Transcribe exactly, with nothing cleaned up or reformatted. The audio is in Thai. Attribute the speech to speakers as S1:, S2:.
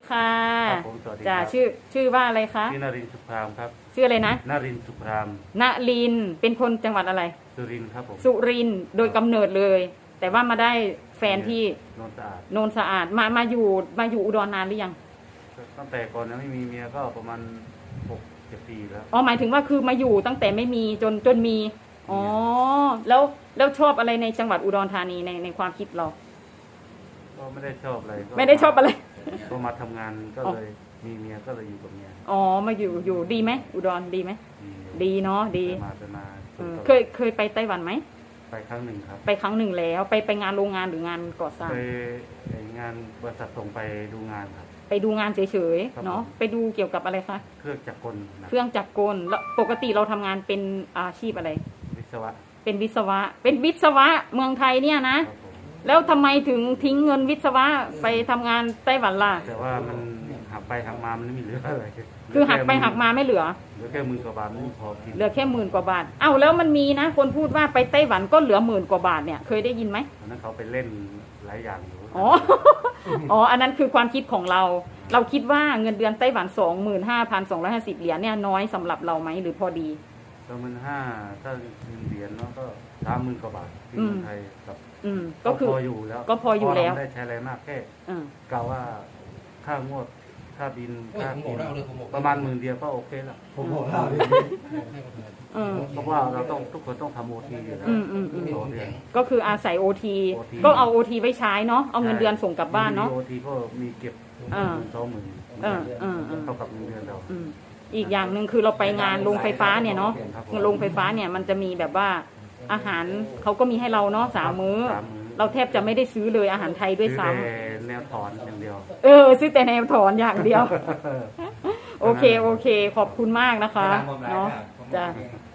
S1: ค่ะ
S2: ครับผมสวัสดี
S1: จ้า
S2: ครับ
S1: ชื่อชื่อว่าอะไรคะ
S2: ชื่อนรินทร์สุพรามครับ
S1: ชื่ออะไรนะ
S2: นรินทร์สุพราม
S1: ณลินทร์เป็นคนจังหวัดอะไร
S2: สุรินทร์ครับผม
S1: สุรินทร์โดยกำเนิดเลย แต่ว่ามาได้แฟนที่
S2: โนนสะอาด
S1: โนนสะอาดมามาอยู่มาอยู่อุดรนานหรือยัง
S2: ตั้งแต่ก่อนยังไม่มีเมียก็ประมาณหกเจ็ดปีแล้ว
S1: อ๋อหมายถึงว่าคือมาอยู่ตั้งแต่ไม่มีจนจนมีอ๋อแล้วแล้วชอบอะไรในจังหวัดอุดรธานีในในความคิดเรา
S2: ก็ไม่ได้ชอบอะไรก็
S1: ไม่ได้ชอบอะไร
S2: ก็มาทำงานก็เลยมีเมียก็เลยอยู่กับเมีย
S1: อ๋อมาอยู่อยู่ดีไหมอุดรดีไหม
S2: ดี
S1: ดีเนาะดี
S2: ไปมาไปมา
S1: เออ
S2: จน
S1: เคยเคยไปไต้หวันไหม
S2: ไปครั้งหนึ่งครับ
S1: ไปครั้งหนึ่งแล้วไปไปงานโรงงานหรืองานก่อสร้าง
S2: ไปงานบริษัทส่งไปดูงานครับ
S1: ไปดูงานเฉย
S2: ครับ
S1: ๆเนาะ
S2: ผม
S1: ไปดูเกี่ยวกับอะไรคะ
S2: เครื่องจักรกลนะ
S1: เครื่องจักรกลแล้วปกติเราทำงานเป็นอาชีพอะไร
S2: วิศวะ
S1: เป็นวิศวะ เป็นวิศวะเมืองไทยเนี่ยนะ
S2: ครับผม
S1: แล้วทำไมถึงทิ้งเงินวิศวะไปทำงานไต้หวันล่ะ
S2: แต่ว่ามันหักไปหักมามันไม่มีเหลืออะไร
S1: คือหักไปหักมาไม่เหลือ
S2: เหลือแค่หมื่นกว่าบาทไม่พอกิน
S1: เหลือแค่หมื่นกว่าบาท เอ้าแล้วมันมีนะ คนพูดว่าไปไต้หวันก็เหลือหมื่นกว่าบาทเนี่ย เคยได้ยินไหม
S2: ตอนนั้นเขาไปเล่นหลายอย่างอยู่
S1: อ๋อ อ๋อ อันนั้นคือความคิดของเรา เราคิดว่าเงินเดือนไต้หวันสองหมื่นห้าพันสองร้อยห้าสิบเหรียญเนี่ยน้อยสำหรับเราไหมหรือพอดี
S2: สองหมื่นห้าถ้าเงินเหรียญเนาะก็สามหมื่นกว่าบาทที่
S1: อืม
S2: เมืองไทยกับ
S1: อืมก็คือ
S2: พออยู่แล้ว
S1: ก็พออยู่แล้ว
S2: เพราะเราไม่ได้ใช้อะไรมากแค่
S1: อืม
S2: กะว่าค่างวดค่าบิน
S3: โอ้ย
S2: ค่า
S3: ผมบ
S2: กิ
S3: อก
S2: น
S3: เราเลยผมบอก
S2: ประมาณหมื่นเดียวก็โอเคแล้ว
S4: ผมบอกเล่าดิ
S1: เออ
S2: เพราะว่าเราต้องทุกคนต้องทำโอทีอยู่แล้ว
S1: อืมอืมอืม
S2: ต่อเดือน
S1: ก็คืออาศัยโอที
S2: โอที
S1: ก็เอาโอทีไว้ใช้เนาะ เอาเงินเดือนส่งกลับบ้านเนาะ
S2: โอทีก็มีเก็บ
S1: อ่า
S2: สองหมื่น
S1: เออเออเออ
S2: เท่ากับเงินเดือนเรา
S1: อืมอีกอย่างหนึ่งคือเราไปงานโรงไฟฟ้าเนี่ยเนาะ
S2: ครับผม
S1: โรงไฟฟ้าเนี่ยมันจะมีแบบว่าอาหารเขาก็มีให้เราเนาะสามมื้อ
S2: สามมื้อ
S1: เราแทบจะไม่ได้ซื้อเลยอาหารไทยด้วยซ้ำ
S2: ซื้อแต่แนวถอนอย่างเดียว
S1: เออซื้อแต่แนวถอนอย่างเดียว โอเคโอเค ขอบคุณมากนะคะเนาะจ้ะ
S4: จ